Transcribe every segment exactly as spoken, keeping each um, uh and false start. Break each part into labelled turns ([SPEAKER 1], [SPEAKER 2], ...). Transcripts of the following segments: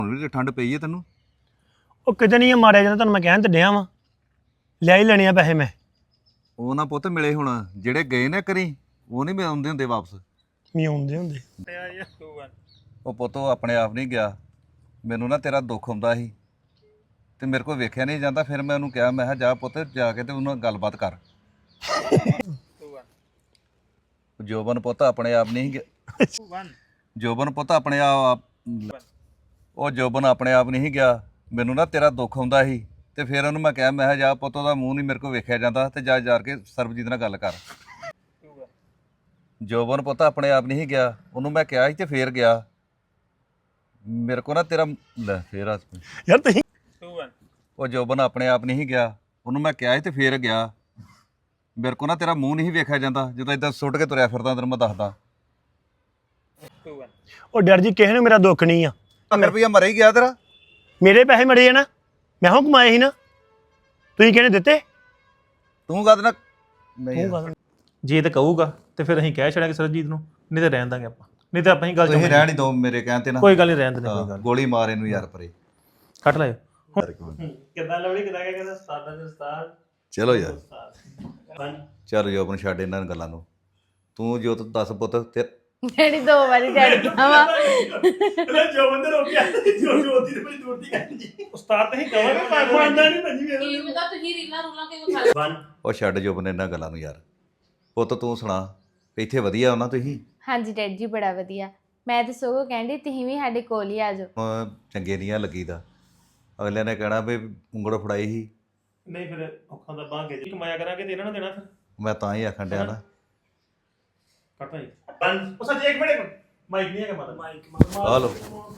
[SPEAKER 1] ਹੁਣ ਵੀ ਠੰਡ ਪਈ ਹੈ ਤੈਨੂੰ?
[SPEAKER 2] ਉਹ ਕਿਤੇ ਨਹੀਂ ਮਾਰਿਆ ਜਾਂਦਾ, ਤੁਹਾਨੂੰ ਮੈਂ ਕਹਿਣ ਤੇ ਡਿਆ ਵਾਂ, ਲਿਆ ਹੀ ਲੈਣੇ ਆ ਪੈਸੇ ਮੈਂ।
[SPEAKER 1] ਉਹ ਨਾ ਪੁੱਤ ਮਿਲੇ ਹੁਣ, ਜਿਹੜੇ ਗਏ ਨਾ ਕਰੀ ਉਹ ਨਹੀਂ ਆਉਂਦੇ ਹੁੰਦੇ ਵਾਪਸ।
[SPEAKER 2] ਨਹੀਂ ਆਉਂਦੇ ਹੁੰਦੇ।
[SPEAKER 1] ਉਹ ਪੁੱਤ ਉਹ ਆਪਣੇ ਆਪ ਨਹੀਂ ਗਿਆ, ਮੈਨੂੰ ਨਾ ਤੇਰਾ ਦੁੱਖ ਹੁੰਦਾ ਸੀ ਤੇ ਮੇਰੇ ਕੋਲ ਵੇਖਿਆ ਨਹੀਂ ਜਾਂਦਾ। ਫਿਰ ਮੈਂ ਉਹਨੂੰ ਕਿਹਾ, ਮੈਂ ਕਿਹਾ ਜਾ ਪੁੱਤ ਜਾ ਕੇ ਤੇ ਉਹਨਾਂ ਨਾਲ ਗੱਲਬਾਤ ਕਰ। ਜੋਬਨ ਪੁੱਤ ਆਪਣੇ ਆਪ ਨਹੀਂ ਗਿਆ, ਜੋਬਨ ਪੁੱਤ ਆਪਣੇ ਆਪ ਉਹ ਜੋਬਨ ਆਪਣੇ ਆਪ ਨਹੀਂ ਗਿਆ, ਮੈਨੂੰ ਨਾ ਤੇਰਾ ਦੁੱਖ ਹੁੰਦਾ ਸੀ ਤੇ ਫਿਰ ਉਹਨੂੰ ਮੈਂ ਕਿਹਾ, ਮੈਂ ਕਿਹਾ ਜਾ ਪੁੱਤ ਉਹਦਾ ਮੂੰਹ ਨਹੀਂ ਮੇਰੇ ਕੋਲ ਵੇਖਿਆ ਜਾਂਦਾ ਤੇ ਜਾ ਜਾ ਕੇ ਸਰਬਜੀਤ ਨਾਲ ਗੱਲ ਕਰ। ਜੋਬਨ ਪੁੱਤ ਆਪਣੇ ਆਪ ਨਹੀਂ ਗਿਆ, ਉਹਨੂੰ ਮੈਂ ਕਿਹਾ ਸੀ ਤੇ ਫੇਰ ਗਿਆ। ਮੇਰੇ ਕੋਲ ਨਾ ਤੇਰਾ ਲੈ ਫੇਰ ਆ
[SPEAKER 2] ਯਾਰ ਤੁਸੀਂ
[SPEAKER 1] ਉਹ ਜੋਬਨ ਆਪਣੇ ਆਪ ਨਹੀਂ ਗਿਆ, ਉਹਨੂੰ ਮੈਂ ਕਿਹਾ ਸੀ ਤੇ ਫੇਰ ਗਿਆ। ਮੇਰੇ ਕੋਲ ਨਾ ਤੇਰਾ ਮੂੰਹ ਨਹੀਂ ਵੇਖਿਆ ਜਾਂਦਾ, ਜਦੋਂ ਇਦਾਂ ਸੁੱਟ ਕੇ ਤੁਰਿਆ ਫਿਰਦਾ ਤੈਨੂੰ ਮੈਂ ਦੱਸਦਾ।
[SPEAKER 2] ਉਹ ਡਰ ਜੀ ਕਿਸੇ ਨੂੰ ਮੇਰਾ ਦੁੱਖ ਨਹੀਂ ਆ।
[SPEAKER 1] ਪੰਜ ਰੁਪਈਆ ਮਰ ਹੀ ਗਿਆ ਤੇਰਾ।
[SPEAKER 2] ਮੇਰੇ ਪੈਸੇ ਮੜੇ ਆ ਨਾ, ਮੈਂ ਹੋ ਕਮਾਏ ਸੀ ਨਾ, ਤੁਸੀਂ ਕਿਹਨੇ ਦਿੱਤੇ?
[SPEAKER 1] ਤੂੰ ਕਦ ਨਾ ਨਹੀਂ
[SPEAKER 3] ਜੇ ਤਾਂ ਕਹੂਗਾ ਤੇ ਫਿਰ ਅਸੀਂ ਕਹਿ ਛੜਾਂਗੇ ਸਰਜੀਤ ਨੂੰ, ਨਹੀਂ ਤਾਂ ਰਹਿਣ ਦਾਂਗੇ ਆਪਾਂ, ਨਹੀਂ ਤਾਂ ਆਪਾਂ ਹੀ ਗੱਲ
[SPEAKER 1] ਤੁਸੀਂ ਰਹਿਣ ਹੀ ਦੋ ਮੇਰੇ ਕਹਿਣ ਤੇ ਨਾ।
[SPEAKER 3] ਕੋਈ ਗੱਲ ਨਹੀਂ, ਰਹਿਣ ਦਿੰਦੇ, ਕੋਈ ਗੱਲ
[SPEAKER 1] ਗੋਲੀ ਮਾਰ ਇਹਨੂੰ ਯਾਰ ਪਰੇ
[SPEAKER 3] ਕੱਟ ਲਾਇਓ।
[SPEAKER 2] ਕਿੱਦਾਂ ਲਵੜੀ ਕਿੱਦਾਂ ਕਹਿੰਦਾ ਉਸਤਾਦ ਦਾ ਉਸਤਾਦ।
[SPEAKER 1] ਚਲੋ ਯਾਰ ਚੱਲ ਜੋਬਨ ਛੱਡ ਇਹਨਾਂ ਗੱਲਾਂ ਨੂੰ, ਤੂੰ ਜੋ ਤੂੰ ਦੱਸ ਪੁੱਤ ਤੇ
[SPEAKER 4] ਡੈਡੀ ਦੋ ਵਾਰੀ ਡੈਡੀ ਕਹਾਂ
[SPEAKER 2] ਜੋ ਬੰਦੇ ਰੋਕਿਆ ਜੋ ਜੋ ਉਹਦੀ ਤੇ ਬੜੀ ਦੂਰ ਦੀ ਗੱਲ। ਉਸਤਾਦ ਤਾਂ ਹੀ ਕਹਾਂਗੇ ਪਰ ਮੰਨਦਾ ਨਹੀਂ ਭੱਜੀ ਵੇਖ।
[SPEAKER 4] ਕੀ ਪਤਾ ਤੁਸੀਂ ਰੀਲਾਂ ਰੂਲਾਂ ਕਿਉਂ ਖਾ
[SPEAKER 1] ਉਹ ਛੱਡ ਜੋਬਨ ਇਹਨਾਂ ਗੱਲਾਂ ਨੂੰ ਯਾਰ। ਪੁੱਤ ਤੂੰ ਸੁਣਾ, ਇੱਥੇ ਵਧੀਆ ਹੋਣਾ ਤੁਸੀਂ?
[SPEAKER 4] ਹਾਂਜੀ ਡੈਡੀ ਜੀ ਬੜਾ ਵਧੀਆ। ਮੈਂ ਤਾਂ ਸਗੋਂ ਕਹਿੰਦੀ ਤੁਸੀਂ ਵੀ ਸਾਡੇ ਕੋਲ ਹੀ ਆ ਜਾਓ।
[SPEAKER 1] ਹੁਣ ਚੰਗੇ ਨਹੀਂ ਆ ਲੱਗੀਦਾ, ਅਗਲੇ ਨੇ ਕਹਿਣਾ ਵੀ ਉਂਗਲ ਫੜਾਈ ਸੀ।
[SPEAKER 3] ਨਹੀਂ ਫਿਰ ਔਖਾਂ ਦਾ ਬਾਂਹ ਕੇ ਜੀ ਕਮਾਇਆ ਕਰਾਂਗੇ ਤੇ ਇਹਨਾਂ ਨੂੰ ਦੇਣਾ ਫਿਰ।
[SPEAKER 1] ਮੈਂ ਤਾਂ ਹੀ ਆਖਣ ਡਿਆ ਨਾ।
[SPEAKER 3] ਕੱਟ ਭਾਈ ਬੰਦ ਉਹ ਸੱਚ ਇੱਕ ਮਿੰਟ ਮਾਈਕ ਨਹੀਂ ਹੈਗਾ ਮਾਤਾ ਮਾਈਕ
[SPEAKER 1] ਆ ਲੋ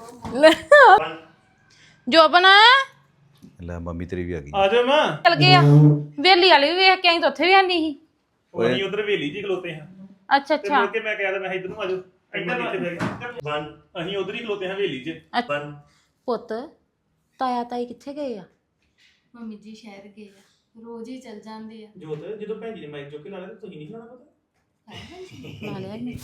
[SPEAKER 4] ਜੋਬਨ
[SPEAKER 1] ਲੈ ਮੰਮੀ ਤੇਰੀ ਵੀ ਆ ਗਈ।
[SPEAKER 3] ਆ ਜਾ ਮਾਂ।
[SPEAKER 4] ਚਲ ਗਏ ਆ ਵੇਲੀ ਵਾਲੀ ਵੀ ਵੇਖ ਕੇ ਆਈ ਤਾਂ ਉੱਥੇ ਵੀ ਆਂਦੀ ਸੀ।
[SPEAKER 3] ਉਹ ਅਸੀਂ ਉਧਰ ਵੇਲੀ ਜੀ ਖਲੋਤੇ ਹਾਂ
[SPEAKER 4] ਅੱਛਾ
[SPEAKER 3] ਤੇ
[SPEAKER 4] ਅੱਛਾ
[SPEAKER 3] ਮੁੜ ਕੇ ਮੈਂ ਕਿਹਾ ਤਾਂ ਮੈਂ ਇੱਧਰ ਨੂੰ ਆ ਜਾਓ, ਇੱਧਰ ਇੱਥੇ ਬੈਠ ਕੇ ਬੰਦ ਅਸੀਂ ਉਧਰ ਹੀ ਖਲੋਤੇ ਹਾਂ ਵੇਲੀ 'ਚ ਬੰਦ।
[SPEAKER 4] ਪੁੱਤ ਤਾਇਆ ਤਾਈ ਕਿੱਥੇ ਗਏ ਆ? ਮੰਮੀ ਜੀ ਸ਼ਹਿਰ ਗਏ ਆ, ਰੋਜ਼ ਹੀ ਚੱਲ ਜਾਂਦੇ ਆ।
[SPEAKER 3] ਜੋਤ ਜਦੋਂ ਭੈਣ ਜੀ ਨੇ ਮਾਈਕ ਚੁੱਕ ਕੇ ਲਾ ਲਿਆ ਤੁਸੀਂ ਨਹੀਂ ਲਾਣਾ ਪਤਾ
[SPEAKER 4] ਲਾ ਲਿਆ ਨੀ।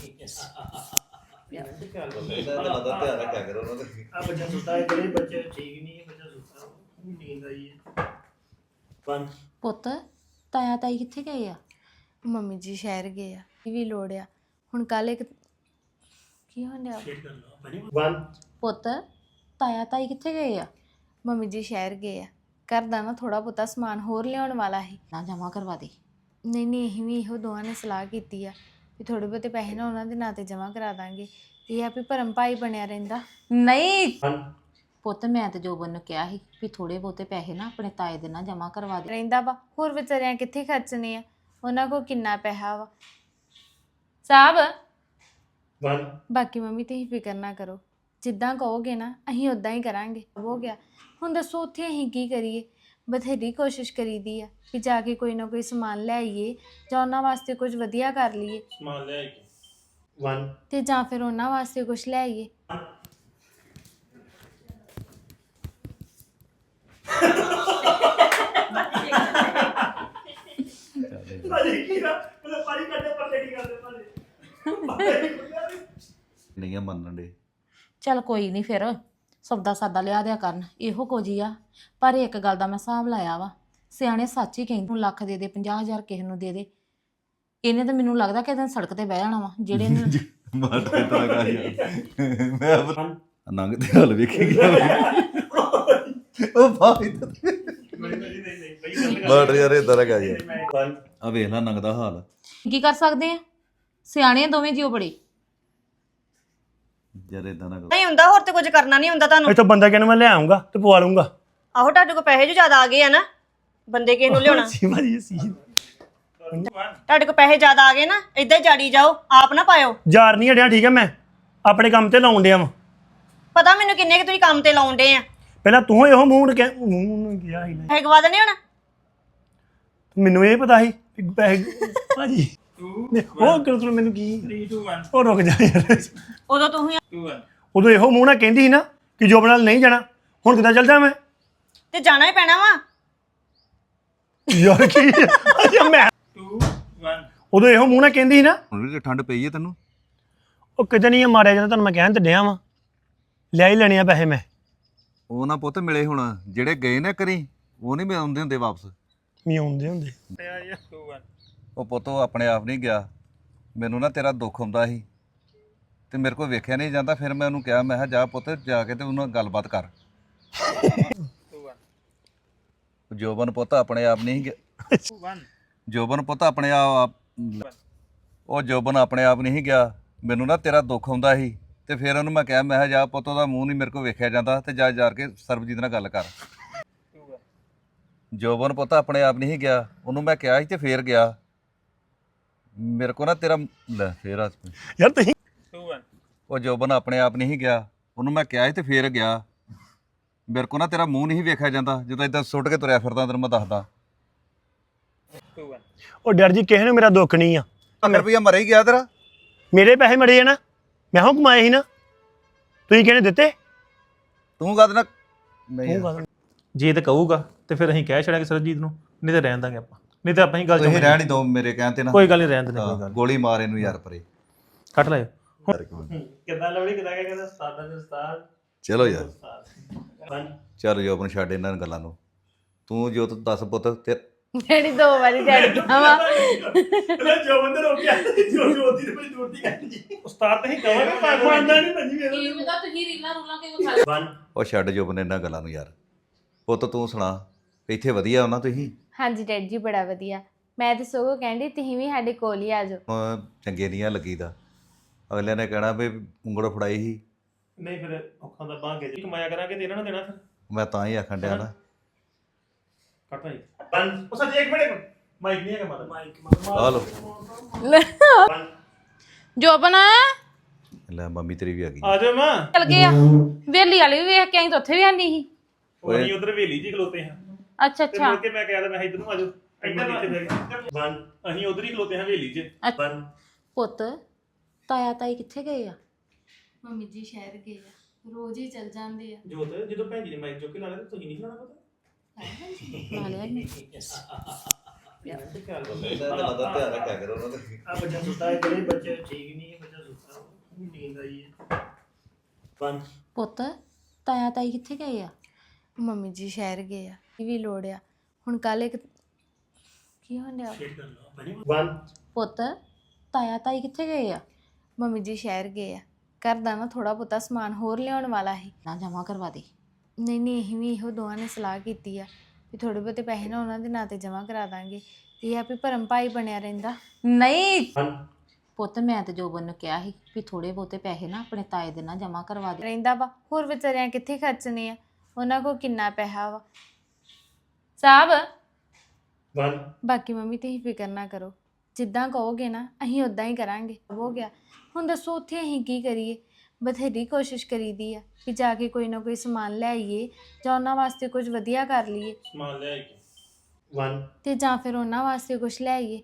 [SPEAKER 1] ਇਹਦਾ ਧਿਆਨ ਰੱਖਿਆ ਕਰੋ ਉਹਨਾਂ ਦਾ।
[SPEAKER 2] ਆ ਬੱਚਾ ਸੁੱਤਾ ਹੈ, ਜਿਹੜੇ ਬੱਚੇ ਠੀਕ ਨਹੀਂ ਹੈ, ਬੱਚਾ ਸੁੱਤਾ ਉਹਨੂੰ ਨੀਂਦ ਆਈ ਹੈ। ਬੰਦ
[SPEAKER 4] ਪੁੱਤ ਤਾਇਆ ਤਾਈ ਕਿੱਥੇ ਗਏ ਆ? ਮੰਮੀ ਜੀ ਸ਼ਹਿਰ ਗਏ ਆ। ਇਹ ਵੀ ਲੋੜ ਆ ਹੁਣ ਕੱਲ ਇੱਕ ਕੀ ਹੋਣਿਆ?
[SPEAKER 2] ਬੰਦ
[SPEAKER 4] ਪੁੱਤ ਤਾਇਆ ਤਾਈ ਕਿੱਥੇ ਗਏ ਆ? ਮੰਮੀ ਜੀ ਸ਼ਹਿਰ ਗਏ ਆ, ਘਰ ਦਾ ਨਾ ਥੋੜਾ ਬਹੁਤਾ ਸਮਾਨ ਹੋਰ ਲਿਆਉਣ ਵਾਲਾ ਸੀ ਨਾ, ਜਮਾ ਕਰਵਾ ਦੇ। ਨਹੀਂ ਨਹੀਂ ਅਸੀਂ ਵੀ ਇਹੋ ਦੋਵਾਂ ਨੇ ਸਲਾਹ ਕੀਤੀ ਆ ਵੀ ਥੋੜੇ ਬਹੁਤੇ ਪੈਸੇ ਨਾ ਉਹਨਾਂ ਦੇ ਨਾਂ ਤੇ ਜਮਾ ਕਰਾ ਦਾਂਗੇ, ਇਹ ਆ ਵੀ ਭਰਮ ਭਾਈ ਬਣਿਆ ਰਹਿੰਦਾ। ਨਹੀਂ ਪੁੱਤ ਮੈਂ ਤੇ ਜੋਬਨ ਨੂੰ ਕਿਹਾ ਸੀ ਵੀ ਥੋੜੇ ਬਹੁਤੇ ਪੈਸੇ ਨਾ ਆਪਣੇ ਤਾਏ ਦੇ ਨਾਲ ਜਮਾ ਕਰਵਾ ਦੇ ਰਹਿੰਦਾ ਵਾ, ਹੋਰ ਵਿਚਾਰਿਆਂ ਕਿੱਥੇ ਖਰਚਣੇ ਆ, ਉਹਨਾਂ ਕੋਲ ਕਿੰਨਾ ਪੈਸਾ ਵਾ ਸਾਹਿਬ।
[SPEAKER 2] ਬੰਦ
[SPEAKER 4] ਬਾਕੀ ਮੰਮੀ ਤੁਸੀਂ ਫਿਕਰ ਨਾ ਕਰੋ, ਜਿੱਦਾਂ ਕਹੋਗੇ ਨਾ ਅਸੀਂ ਉਦਾਂ ਹੀ ਕਰਾਂਗੇ। ਹੋ ਗਿਆ ਹੁਣ ਦੱਸੋ ਉੱਥੇ ਅਸੀਂ ਕੀ ਕਰੀਏ? ਬਥੇਰੀ ਕੋਸ਼ਿਸ਼ ਕਰੀਦੀ ਆ ਕਿ ਜਾ ਕੇ ਕੋਈ ਨਾ ਕੋਈ ਸਮਾਨ ਲੈ ਆਈਏ ਜਾਂ ਉਹਨਾਂ ਵਾਸਤੇ ਕੁਝ ਵਧੀਆ ਕਰ ਲਈਏ,
[SPEAKER 3] ਸਮਾਨ ਲੈ ਕੇ
[SPEAKER 2] ਬੰਦ
[SPEAKER 4] ਤੇ ਜਾਂ ਫਿਰ ਉਹਨਾਂ ਵਾਸਤੇ ਕੁਝ ਲੈ ਆਈਏ।
[SPEAKER 2] ਭਾਜੀ ਕੀ ਨਾ ਮਤਲਬ ਪਾਣੀ ਕੱਢੇ ਪੱਲੇ ਕੀ ਕਰਦੇ ਭਾਜੀ
[SPEAKER 1] ਨਹੀਂ ਆ ਮੰਨਣ ਦੇ।
[SPEAKER 5] ਚੱਲ ਕੋਈ ਨਹੀਂ, ਫਿਰ ਸੌਦਾ ਸਾਦਾ ਲਿਆ ਦਿਆ ਕਰਨ, ਇਹੋ ਕੁਝ ਹੀ ਆ। ਪਰ ਇੱਕ ਗੱਲ ਦਾ ਮੈਂ ਹਿਸਾਬ ਲਾਇਆ ਵਾ, ਸਿਆਣੇ ਸੱਚ ਹੀ ਕਹਿੰਦੇ ਨੂੰ ਲੱਖ ਦੇ ਦੇ, ਪੰਜਾਹ ਹਜ਼ਾਰ ਕਿਸੇ ਨੂੰ ਦੇ ਦੇ। ਇਹਨੇ ਤਾਂ ਮੈਨੂੰ ਲੱਗਦਾ ਕਿ ਇਹਨੇ ਸੜਕ ਤੇ ਬਹਿ ਜਾਣਾ ਵਾ ਜਿਹੜੇ ਨੇ
[SPEAKER 1] ਮਾਰ ਤੇ ਤਾਂ ਗਾ ਯਾਰ ਮੈਂ ਨੰਗ ਤੇ ਹਾਲ ਵੇਖੀ ਗਿਆ ਉਹ ਭਾਈ ਮਾਰ ਯਾਰ ਇਦਾਂ ਲਗਾ ਯਾਰ। ਆ ਵੇਖ ਲੈ ਨੰਗ ਦਾ ਹਾਲ।
[SPEAKER 5] ਕੀ ਕਰ ਸਕਦੇ ਆ, ਸਿਆਣੇ ਆ ਦੋਵੇਂ ਜੀਓ ਬੜੇ।
[SPEAKER 1] ਯਾਰ ਇਦਾਂ ਨਾ
[SPEAKER 6] ਨਹੀਂ ਹੁੰਦਾ, ਹੋਰ ਤੇ ਕੁਝ ਕਰਨਾ ਨਹੀਂ ਹੁੰਦਾ ਤੁਹਾਨੂੰ।
[SPEAKER 2] ਇੱਥੋਂ ਬੰਦਾ ਕਿਹਨੂੰ ਮੈਂ ਲੈ ਆਉਂਗਾ ਤੇ ਪਵਾ ਲੂੰਗਾ।
[SPEAKER 6] ਆਹੋ ਤੁਹਾਡੇ ਕੋਲ ਪੈਸੇ ਜੋ ਜ਼ਿਆਦਾ ਆ ਗਏ ਆ ਨਾ, ਬੰਦੇ ਕਿਸ ਨੂੰ ਲਿਆਉਣਾ?
[SPEAKER 2] ਸੀਮਾ ਜੀ ਸੀ
[SPEAKER 6] ਤੁਹਾਡੇ ਕੋਲ ਪੈਸੇ ਜ਼ਿਆਦਾ ਆ ਗਏ ਨਾ, ਏਦਾਂ ਹੀ ਜਾੜੀ ਜਾਓ, ਆਪ ਨਾ ਪਾਇਓ।
[SPEAKER 2] ਯਾਰ ਨਹੀਂ ਹਟਿਆ, ਠੀਕ ਹੈ, ਮੈਂ ਆਪਣੇ ਕੰਮ ਤੇ ਲਾਉਣ ਡਿਆ ਵਾਂ।
[SPEAKER 6] ਪਤਾ ਮੈਨੂੰ ਕਿੰਨੇ ਕਿ ਤੁਸੀਂ ਕੰਮ ਤੇ ਲਾਉਣ ਡੇ ਆ।
[SPEAKER 2] ਪਹਿਲਾਂ ਤੂੰ ਇਹੋ ਮੂੰਹ ਕਹਿ ਮੂੰਹ ਨੂੰ ਕਿਹਾ ਸੀ ਨਾ,
[SPEAKER 6] ਪੈਸੇ ਗਵਾ ਦੇਣੇ ਹੁਣ।
[SPEAKER 2] ਮੈਨੂੰ ਇਹ ਪਤਾ ਸੀ ਕਿ ਪੈਸੇ ਭਾਜੀ ਉਹ ਕਰ ਮੈਨੂੰ ਕੀ ਉਹ ਰੁਕ ਜਾ ਯਾਰ।
[SPEAKER 6] ਉਦੋਂ ਤੂੰ ਹੀ
[SPEAKER 2] ਉਦੋਂ ਇਹੋ ਮੂੰਹ ਨਾਲ ਕਹਿੰਦੀ ਸੀ ਨਾ ਕਿ ਜੋਬ ਨਾਲ ਨਹੀਂ ਜਾਣਾ, ਹੁਣ ਕਿੱਦਾਂ ਚੱਲ ਜਾ ਮੈਂ?
[SPEAKER 6] ਤੇ ਜਾਣਾ ਹੀ ਪੈਣਾ ਵਾ।
[SPEAKER 2] ਯਾਰ ਕੀ ਅੱਛਾ ਮੈਂ ਉਦੋਂ ਇਹੋ ਮੂੰਹ ਨਾਲ ਕਹਿੰਦੀ ਸੀ ਨਾ।
[SPEAKER 1] ਹੁਣ ਵੀ ਠੰਡ ਪਈ ਹੈ ਤੈਨੂੰ?
[SPEAKER 2] ਉਹ ਕਿਤੇ ਨਹੀਂ ਮਾਰਿਆ ਜਾਂਦਾ, ਤੁਹਾਨੂੰ ਮੈਂ ਕਹਿਣ ਤੇ ਡਿਆ ਵਾਂ, ਲਿਆ ਹੀ ਲੈਣੇ ਆ ਪੈਸੇ ਮੈਂ।
[SPEAKER 1] ਉਹ ਨਾ ਪੁੱਤ ਮਿਲੇ ਹੁਣ ਜਿਹੜੇ ਗਏ ਨਾ ਕਰੀ ਉਹ ਨਹੀਂ ਆਉਂਦੇ ਹੁੰਦੇ ਵਾਪਸ
[SPEAKER 2] ਮੀ ਆਉਂਦੇ ਹੁੰਦੇ
[SPEAKER 1] ਉਹ ਪੁੱਤ ਉਹ ਆਪਣੇ ਆਪ ਨਹੀਂ ਗਿਆ ਮੈਨੂੰ ਨਾ ਤੇਰਾ ਦੁੱਖ ਹੁੰਦਾ ਸੀ ਤੇ ਮੇਰੇ ਕੋਲ ਵੇਖਿਆ ਨਹੀਂ ਜਾਂਦਾ ਫਿਰ ਮੈਂ ਉਹਨੂੰ ਕਿਹਾ ਮੈਂ ਕਿਹਾ ਜਾ ਪੁੱਤ ਜਾ ਕੇ ਤੇ ਉਹਨਾਂ ਨਾਲ ਗੱਲਬਾਤ ਕਰ ਜੋਬਨ ਪੁੱਤ ਆਪਣੇ ਆਪ ਨਹੀਂ ਗਿਆ ਜੋਬਨ ਪੁੱਤ ਆਪਣੇ ਆਪ ਉਹ ਜੋਬਨ ਆਪਣੇ ਆਪ ਨਹੀਂ ਗਿਆ ਮੈਨੂੰ ਨਾ ਤੇਰਾ ਦੁੱਖ ਹੁੰਦਾ ਸੀ ਤੇ ਫਿਰ ਉਹਨੂੰ ਮੈਂ ਕਿਹਾ ਮੈਂ ਕਿਹਾ ਜਾ ਪੁੱਤ ਉਹਦਾ ਮੂੰਹ ਨਹੀਂ ਮੇਰੇ ਕੋਲ ਵੇਖਿਆ ਜਾਂਦਾ ਤੇ ਜਾ ਜਾ ਕੇ ਸਰਬਜੀਤ ਨਾਲ ਗੱਲ ਕਰ ਜੋਬਨ ਪੁੱਤ ਆਪਣੇ ਆਪ ਨਹੀਂ ਗਿਆ ਉਹਨੂੰ ਮੈਂ ਕਿਹਾ ਸੀ ਤੇ ਫੇਰ ਗਿਆ ਮੇਰੇ ਕੋਲ ਨਾ ਤੇਰਾ ਲੈ ਫੇਰ ਹੱਸ ਪਈ।
[SPEAKER 2] ਯਾਰ ਤੁਸੀਂ
[SPEAKER 1] ਉਹ ਜੋਬਨ ਆਪਣੇ ਆਪ ਨਹੀਂ ਗਿਆ ਉਹਨੂੰ ਮੈਂ ਕਿਹਾ ਸੀ ਤੇ ਫੇਰ ਗਿਆ ਮੇਰੇ ਕੋਲ ਨਾ ਤੇਰਾ ਮੂੰਹ ਨਹੀਂ ਵੇਖਿਆ ਜਾਂਦਾ ਜਦੋਂ ਇਦਾਂ ਸੁੱਟ ਕੇ ਤੁਰਿਆ ਫਿਰਦਾ ਤੈਨੂੰ ਮੈਂ ਦੱਸਦਾ
[SPEAKER 2] ਉਹ ਡਰ ਜੀ ਕਿਸੇ ਨੂੰ ਮੇਰਾ ਦੁੱਖ ਨਹੀਂ ਆ
[SPEAKER 1] ਲੱਖ ਰੁਪਈਆ ਮਰੇ ਹੀ ਗਿਆ ਤੇਰਾ
[SPEAKER 2] ਮੇਰੇ ਪੈਸੇ ਮੜੇ ਆ ਨਾ ਮੈਂ ਹਾਂ ਕਮਾਏ ਸੀ ਨਾ ਤੁਸੀਂ ਕਿਹਨੇ ਦਿੱਤੇ
[SPEAKER 1] ਤੂੰ ਕਦ ਨਾ ਨਹੀਂ
[SPEAKER 2] ਤੂੰ ਕਾਹਦੇ-
[SPEAKER 3] ਜੇ ਤੇ ਕਹੂਗਾ ਤੇ ਫਿਰ ਅਸੀਂ ਕਹਿ ਛੜਾਂਗੇ ਸਰਜੀਤ ਨੂੰ ਨਹੀਂ ਤੇ ਰਹਿਣ ਦਾਂਗੇ ਆਪਾਂ ਨਹੀਂ ਤੇ ਆਪਾਂ ਹੀ ਗੱਲ
[SPEAKER 1] ਤੁਸੀਂ ਰਹਿਣ ਹੀ ਦੋ ਮੇਰੇ ਕਹਿਣ ਤੇ ਨਾ
[SPEAKER 3] ਕੋਈ ਗੱਲ ਨਹੀਂ ਰਹਿਣ ਦਿੰਦੇ ਕੋਈ
[SPEAKER 1] ਹਾਂ,
[SPEAKER 3] ਗੱਲ
[SPEAKER 1] ਗੋਲੀ ਮਾਰ ਇਹਨੂੰ ਯਾਰ ਪਰੇ
[SPEAKER 3] ਕੱਟ ਲਾਇਓ
[SPEAKER 2] ਕਿੱਦਾਂ ਲਵੜੀ ਕਿੱਦਾਂ ਕਹਿੰਦਾ ਉਸਤਾਦਾਂ ਦੇ ਉਸਤਾਦ
[SPEAKER 1] ਚਲੋ ਯਾਰ ਚਲ ਜੋਬਨ ਛੱਡ ਇਹਨਾਂ ਗੱਲਾਂ ਨੂੰ ਤੂੰ ਜੋ ਤੂੰ ਦੱਸ ਪੁੱਤ ਤੇ
[SPEAKER 4] ਡੈਡੀ ਦੋ ਵਾਰੀ ਡੈਡੀ ਕਿਹਾ ਵਾ
[SPEAKER 2] ਜੋ ਬੰਦੇ ਰੋਕਿਆ ਜੋ ਜੋ ਉਹਦੀ ਤੇ ਬੜੀ ਦੂਰ ਦੀ ਗੱਲ ਜੀ
[SPEAKER 3] ਉਸਤਾਦ ਤੇ ਹੀ ਕਹਾਂਗੇ
[SPEAKER 2] ਪਰ ਮੰਨਦਾ ਨਹੀਂ ਭੰਜੀ ਮੇਰਾ
[SPEAKER 5] ਕੀ ਪਤਾ ਤੁਸੀਂ ਰੀਲਾਂ ਰੂਲਾਂ ਕਿਉਂ ਖਾ
[SPEAKER 1] ਉਹ ਛੱਡ ਜੋਬਨ ਇਹਨਾਂ ਗੱਲਾਂ ਨੂੰ ਯਾਰ ਪੁੱਤ ਤੂੰ ਸੁਣਾ ਇੱਥੇ ਵਧੀਆ ਹੋਣਾ ਤੁਸੀਂ
[SPEAKER 4] ਹਾਂਜੀ ਡੈਡੀ ਜੀ ਬੜਾ ਵਧੀਆ ਮੈਂ ਤੇ ਸਗੋਂ ਕਹਿੰਦੀ ਤੁਸੀਂ ਵੀ ਸਾਡੇ ਕੋਲ ਹੀ ਆ ਜਾਓ
[SPEAKER 1] ਹੁਣ ਚੰਗੇ ਨਹੀਂ ਆ ਲੱਗੀਦਾ ਅਗਲੇ ਨੇ ਕਹਿਣਾ ਵੀ ਉਂਗਲ ਫੜਾਈ ਸੀ
[SPEAKER 3] ਨਹੀਂ ਫਿਰ ਔਖਾਂ ਦਾ ਬਾਂਗੇ ਜੀ ਕਮਾਇਆ ਕਰਾਂਗੇ ਤੇ ਇਹਨਾਂ ਨੂੰ ਦੇਣਾ ਫਿਰ
[SPEAKER 1] ਮੈਂ ਤਾਂ ਹੀ ਆਖਣ ਡਿਆ ਨਾ
[SPEAKER 3] ਕੱਟ ਲਾਈ ਉਹ ਸੱਚ ਇੱਕ ਮਿੰਟ ਮਾਈਕ ਨਹੀਂ ਹੈਗਾ ਮਾਤਾ ਮਾਈਕ
[SPEAKER 1] ਆ ਲੋ
[SPEAKER 5] ਜੋਬਨ
[SPEAKER 1] ਲੈ ਮੰਮੀ ਤੇਰੀ ਵੀ ਆ ਗਈ
[SPEAKER 3] ਆ ਜਾ ਮਾਂ
[SPEAKER 5] ਚਲ ਗਏ ਆ ਵੇਲੀ ਵਾਲੀ ਵੀ ਵੇਖ ਕੇ ਆਈ ਤਾਂ ਉੱਥੇ ਵੀ ਆਂਦੀ ਸੀ
[SPEAKER 3] ਉਹ ਅਸੀਂ ਉਧਰ ਵੇਲੀ ਜੀ ਖਲੋਤੇ ਹਾਂ
[SPEAKER 5] ਅੱਛਾ
[SPEAKER 3] ਤੇ
[SPEAKER 5] ਅੱਛਾ
[SPEAKER 3] ਮੁੜ ਕੇ ਮੈਂ ਕਿਹਾ ਤਾਂ ਮੈਂ ਇੱਧਰ ਨੂੰ ਆ ਜਾਓ ਇੱਧਰ ਇੱਥੇ ਬਹਿ ਗਏ ਵਨ ਅਸੀਂ ਉਧਰ ਹੀ ਖਲੋਤੇ ਹਾਂ ਵੇਲੀ 'ਚ ਵਨ
[SPEAKER 5] ਪੁੱਤ ਤਾਇਆ ਤਾਈ ਕਿੱਥੇ ਗਏ ਆ
[SPEAKER 4] ਮੰਮੀ ਜੀ ਸ਼ਹਿਰ ਗਏ ਆ ਰੋਜ਼ ਹੀ ਚੱਲ ਜਾਂਦੇ ਆ
[SPEAKER 3] ਜੋਤ ਜਦੋਂ ਭੈਣ ਜੀ ਨੇ ਮਾਈਕ ਚੁੱਕ ਕੇ ਲਾ ਲਿਆ ਤੁਸੀਂ ਨਹੀਂ ਲਾਣਾ ਪਤਾ
[SPEAKER 5] ਲਾ ਲਿਆ ਇਹਨੇ।
[SPEAKER 1] ਧਿਆਨ ਰੱਖਿਆ ਕਰੋ ਉਹਨਾਂ ਦਾ
[SPEAKER 2] ਆ ਬੱਚਾ ਸੁੱਤਾ ਹੈ ਜਿਹੜੇ ਬੱਚੇ ਠੀਕ ਨਹੀਂ ਹੈ ਬੱਚਾ ਸੁੱਤਾ ਨੀਂਦ ਆਈ ਹੈ
[SPEAKER 3] ਵਨ
[SPEAKER 5] ਪੁੱਤ ਤਾਇਆ ਤਾਈ ਕਿੱਥੇ ਗਏ ਆ
[SPEAKER 4] ਮੰਮੀ ਜੀ ਸ਼ਹਿਰ ਗਏ ਆ ਇਹ ਵੀ ਲੋੜ ਆ ਹੁਣ ਕੱਲ ਇੱਕ ਕੀ ਹੋਣ ਡਿਆ
[SPEAKER 2] ਵਨ
[SPEAKER 5] ਪੁੱਤ ਤਾਇਆ ਤਾਈ ਕਿੱਥੇ ਗਏ ਆ
[SPEAKER 4] ਮੰਮੀ ਜੀ ਸ਼ਹਿਰ ਗਏ ਆ ਘਰ ਦਾ ਨਾ ਥੋੜਾ ਬਹੁਤਾ ਸਮਾਨ ਹੋਰ ਲਿਆਉਣ ਵਾਲਾ ਸੀ
[SPEAKER 5] ਨਾ ਜਮਾ ਕਰਵਾ ਦੇ
[SPEAKER 4] ਨਹੀਂ ਨਹੀਂ ਅਸੀਂ ਵੀ ਇਹੋ ਦੋਵਾਂ ਨੇ ਸਲਾਹ ਕੀਤੀ ਆ ਵੀ ਥੋੜੇ ਬਹੁਤੇ ਪੈਸੇ ਨਾ ਉਹਨਾਂ ਦੇ ਨਾਂ ਤੇ ਜਮ੍ਹਾਂ ਕਰਾ ਦਾਂਗੇ ਇਹ ਆ ਵੀ ਭਰਮ ਭਾਈ ਬਣਿਆ ਰਹਿੰਦਾ
[SPEAKER 5] ਨਹੀਂ
[SPEAKER 2] ਵਨ
[SPEAKER 5] ਪੁੱਤ ਮੈਂ ਤੇ ਜੋਬਨ ਨੂੰ ਕਿਹਾ ਸੀ ਵੀ ਥੋੜੇ ਬਹੁਤੇ ਪੈਸੇ ਨਾ ਆਪਣੇ ਤਾਏ ਦੇ ਨਾਲ ਜਮਾ ਕਰਵਾ ਦੇ
[SPEAKER 4] ਰਹਿੰਦਾ ਵਾ ਹੋਰ ਵਿਚਾਰਿਆਂ ਕਿੱਥੇ ਖਰਚਣੇ ਆ ਉਹਨਾਂ ਕੋਲ ਕਿੰਨਾ ਪੈਸਾ ਵਾ ਸਾਹਿਬ
[SPEAKER 2] ਵਨ
[SPEAKER 4] ਬਾਕੀ ਮੰਮੀ ਤੁਸੀਂ ਫਿਕਰ ਨਾ ਕਰੋ ਜਿੱਦਾਂ ਕਹੋਗੇ ਨਾ ਅਸੀਂ ਉਦਾਂ ਹੀ ਕਰਾਂਗੇ ਹੋ ਗਿਆ ਹੁਣ ਦੱਸੋ ਉੱਥੇ ਅਸੀਂ ਕੀ ਕਰੀਏ ਬਥੇਰੀ ਕੋਸ਼ਿਸ਼ ਕਰੀਦੀ ਆ ਕਿ ਜਾ ਕੇ ਕੋਈ ਨਾ ਕੋਈ ਸਮਾਨ ਲੈ ਆਈਏ ਜਾਂ ਉਹਨਾਂ ਵਾਸਤੇ ਕੁਝ ਵਧੀਆ ਕਰ ਲਈਏ
[SPEAKER 3] ਸਮਾਨ ਲੈ ਕੇ
[SPEAKER 2] ਵਨ
[SPEAKER 4] ਤੇ ਜਾਂ ਫਿਰ ਉਹਨਾਂ ਵਾਸਤੇ ਕੁਝ ਲੈ ਆਈਏ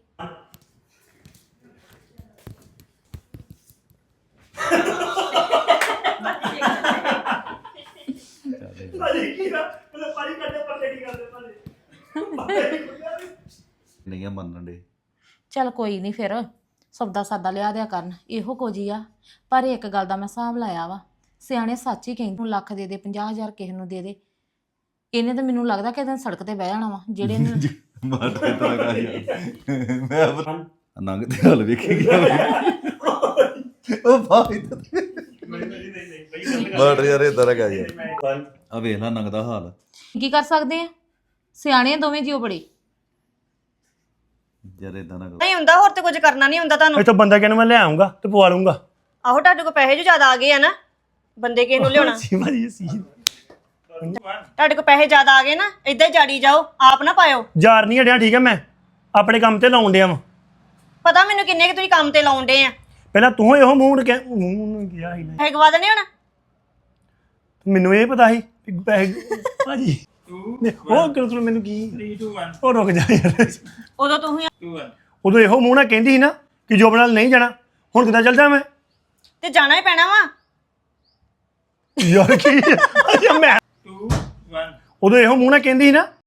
[SPEAKER 2] ਭਾਜੀ ਕੀ ਨਾ ਮਤਲਬ ਪਾਣੀ ਕੱਢੇ ਪੱਲੇ ਕੀ ਕਰਦੇ ਭਾਜੀ
[SPEAKER 1] ਨਹੀਂ ਆ ਮੰਨਣ ਦੇ
[SPEAKER 5] ਚੱਲ ਕੋਈ ਨਹੀਂ ਫਿਰ ਸੌਦਾ ਸਾਦਾ ਲਿਆ ਦਿਆ ਕਰਨ ਇਹੋ ਕੁਝ ਹੀ ਆ ਪਰ ਇੱਕ ਗੱਲ ਦਾ ਮੈਂ ਹਿਸਾਬ ਲਾਇਆ ਵਾ ਸਿਆਣੇ ਸੱਚ ਹੀ ਕਹਿੰਦੇ ਨੂੰ ਲੱਖ ਦੇ ਦੇ ਪੰਜਾਹ ਹਜ਼ਾਰ ਕਿਸੇ ਨੂੰ ਦੇ ਦੇ ਇਹਨੇ ਤਾਂ ਮੈਨੂੰ ਲੱਗਦਾ ਕਿ ਇਹਨੇ ਸੜਕ ਤੇ ਬਹਿ ਜਾਣਾ ਵਾ ਜਿਹੜੇ ਨੇ
[SPEAKER 1] ਮਾਰੇ ਤਾਂ ਗਾ ਯਾਰ ਮੈਂ ਨੰਗ ਤੇ ਹਾਲ ਵੇਖੀ ਗਿਆ ਉਹ ਭਾਈ ਮਾਰ ਯਾਰ ਇਦਾਂ ਲਗਾ ਯਾਰ ਆ ਵੇਖ ਲੈ ਨੰਗ ਦਾ ਹਾਲ
[SPEAKER 5] ਕੀ ਕਰ ਸਕਦੇ ਆ ਸਿਆਣੇ ਆ ਦੋਵੇਂ ਜੀਓ ਬੜੇ
[SPEAKER 1] ਯਾਰ ਇਦਾਂ ਨਾ ਕਰੋ
[SPEAKER 6] ਨਹੀਂ ਹੁੰਦਾ ਹੋਰ ਤੇ ਕੁਝ ਕਰਨਾ ਨਹੀਂ ਹੁੰਦਾ ਤੁਹਾਨੂੰ
[SPEAKER 2] ਇੱਥੋਂ ਬੰਦਾ ਕਹਿੰਦਾ ਮੈਂ ਲੈ ਆਉਂਗਾ ਤੇ ਪਵਾ ਲੂੰਗਾ
[SPEAKER 6] ਆਹੋ ਤੁਹਾਡੇ ਕੋਲ ਪੈਸੇ ਜੋ ਜ਼ਿਆਦਾ ਆ ਗਏ ਆ ਨਾ ਬੰਦੇ ਕਿਸੇ ਨੂੰ ਲਿਆਉਣਾ
[SPEAKER 2] ਸੀ ਭਾਜੀ ਸੀ
[SPEAKER 6] ਤੁਹਾਡੇ ਕੋਲ ਪੈਸੇ ਜ਼ਿਆਦਾ ਆ ਗਏ ਨਾ ਇਦਾਂ ਹੀ ਜਾੜੀ ਜਾਓ ਆਪ ਨਾ ਪਾਇਓ
[SPEAKER 2] ਯਾਰ ਨਹੀਂ ਹਟਿਆ ਠੀਕ ਹੈ ਮੈਂ ਆਪਣੇ ਕੰਮ ਤੇ ਲਾਉਣ ਡਿਆ ਵਾਂ
[SPEAKER 6] ਪਤਾ ਮੈਨੂੰ ਕਿੰਨੇ ਕਿ ਤੁਸੀਂ ਕੰਮ ਤੇ ਲਾਉਣ ਡੇ ਆ
[SPEAKER 2] ਪਹਿਲਾਂ ਤੂੰ ਇਹੋ ਮੂੰਹ ਨੂੰ ਕਹਿ ਮੂੰਹ ਨੂੰ ਗਿਆ ਹੀ ਨਾ
[SPEAKER 6] ਪੈਸੇ ਗਵਾ ਦੇਣੇ ਹੁਣ
[SPEAKER 2] ਮੈਨੂੰ ਇਹ ਪਤਾ ਸੀ ਕਿ ਪੈਸੇ ਭਾਜੀ ਉਹ ਕਿਉਂ ਮੈਨੂੰ ਕੀ
[SPEAKER 3] three two one
[SPEAKER 2] ਉਹ ਰੁਕ ਜਾ ਯਾਰ
[SPEAKER 6] ਉਦੋਂ ਤੁਸੀਂ
[SPEAKER 3] two one
[SPEAKER 2] ਉਦੋਂ ਇਹੋ ਮੂੰਹ ਨਾਲ ਕਹਿੰਦੀ ਸੀ ਨਾ ਕਿ ਜੋਬ ਨਾਲ ਨਹੀਂ ਜਾਣਾ ਹੁਣ ਕਿੱਦਾਂ ਚੱਲ ਜਾ ਮੈਂ
[SPEAKER 6] ਤੇ ਜਾਣਾ ਹੀ ਪੈਣਾ ਵਾ
[SPEAKER 2] ਯਾਰ ਕੀ ਅੱਛਾ ਮੈਂ
[SPEAKER 3] two one
[SPEAKER 2] ਉਦੋਂ ਇਹੋ ਮੂੰਹ ਨਾਲ ਕਹਿੰਦੀ ਸੀ ਨਾ